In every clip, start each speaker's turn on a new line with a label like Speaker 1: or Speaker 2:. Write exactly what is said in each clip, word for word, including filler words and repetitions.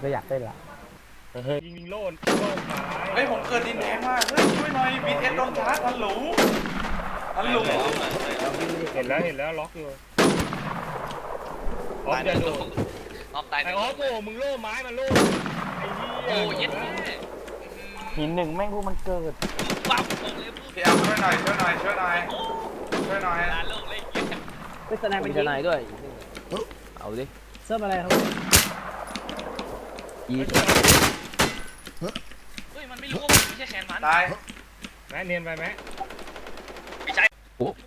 Speaker 1: ก็อยากเต้นละ
Speaker 2: ยิงโล่นโล่นตาย
Speaker 3: เฮ้ยผมเกิดดินแดงมาเฮ้ยช่วยหน่อยบีเอสโดนชาร์จฮัลโหลฮัลโหล
Speaker 2: เห็นแล้วเห็นแล้วล็อกอยู่ออฟจะโดน
Speaker 4: ออฟตาย
Speaker 2: ไอออฟโอ้มึงโล่ไม้มาโล่ไอ้เหี้ย
Speaker 4: โอ้ย
Speaker 1: หินหนึ่งแม่งพวกมันเกิด
Speaker 4: ปั๊บเลย
Speaker 3: พี่แอมช่วยหน่อยช่วยหน่อยช่วยหน่อยช่วยหน่อย
Speaker 4: ลาโลกเลย
Speaker 1: ไปแสดงเป็นทนายด้วยเอาดิ
Speaker 5: เซิร์ฟอะไรครับ
Speaker 1: ยี
Speaker 4: เฮ้ยมันไม่รู้ว่ามันไม่ใช่แขนมัน
Speaker 3: ตาย
Speaker 2: แม่เนียนไปไหม
Speaker 4: ไม่ใช่
Speaker 1: โอ้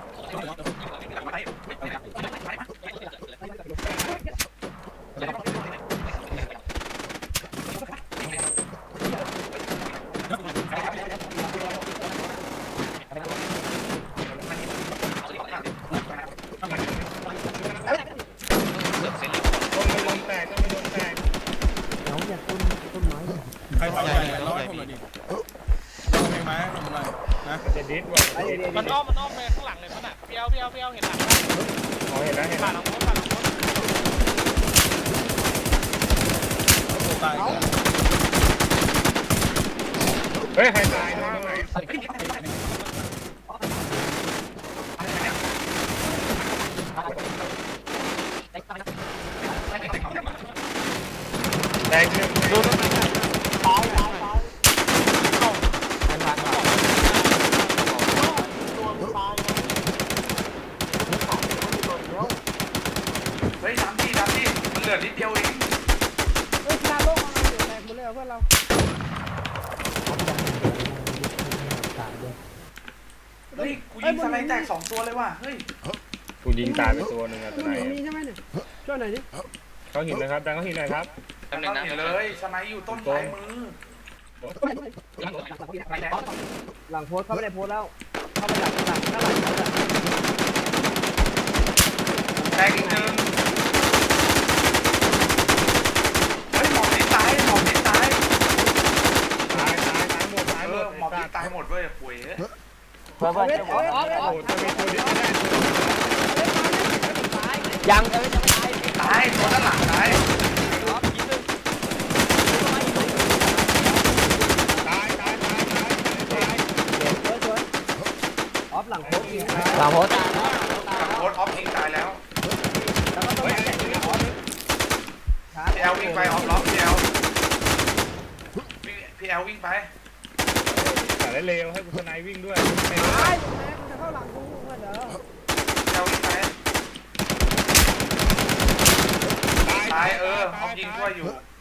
Speaker 4: มันอ้อมมันอ้อมไปข้างหลังเลยมันอ่ะเปียวเปียวเปียวเห็นหลังไหม
Speaker 2: อ๋อเห็นแล้วเห็น
Speaker 4: ผ่านหลังรถผ่านหลังรถ
Speaker 2: เฮ้ยใครตายตรงไหนแดงหนึ่งดูตรงไหนตายตายตาย
Speaker 3: เฮ้ยทำที่ทำที่มันเหลือนิดเดียวเอง
Speaker 5: เฮ้ยลาโลกอะไรอยู่แตกหมดเลยเพื่อนเรา
Speaker 3: เฮ้ยกูยิงสไนแตกสองตัวเลยว่ะเฮ้ย
Speaker 2: กูยิงตายไปตัวหนึ่งอ่ะตัวไหน
Speaker 5: มีใช่ไหมเนี่ยช่วยหน่อยดิ
Speaker 2: เขาหินนะครับดังเขาหินหน่อยครับ
Speaker 3: ดังเขาหินเลยสไนอยู่ต้นซ้ายมือ
Speaker 5: หลังโพสเขาไม่ได้โพสแล้วเข้าไปหลังหลังหน้าหลังเขาจะ
Speaker 3: แตกอีกหนึ่งเฮ้ยหมอบนี้ตายหมอบนี้ตาย
Speaker 2: ตายตายตายหมดตายหมด
Speaker 3: หมอบนี้ตายหมดด้วยป่วย
Speaker 1: เพื่อนเพื่อนจะบอก
Speaker 2: โอ้โหจะมีตัวนี้ไม่ได้
Speaker 1: ยังจะไม่จะตาย
Speaker 3: ตายตัวด้านหลังตาย
Speaker 2: ตายตายตายตายตาย
Speaker 5: ออฟหลังโพส
Speaker 1: หลังโพส
Speaker 3: หลังโพสออฟยิงตายแล้วพี่แอลวิ่งไปออฟล็อกพี่แอลพี่แอลวิ่งไป
Speaker 2: แต่เร็วให้คุณทนายวิ่งด้วย
Speaker 5: ตายจะเข้าหลังกูเพื่อนเด้อ
Speaker 3: พี่แอลวิ่งไปตายเออออฟยิงช่วยอยู่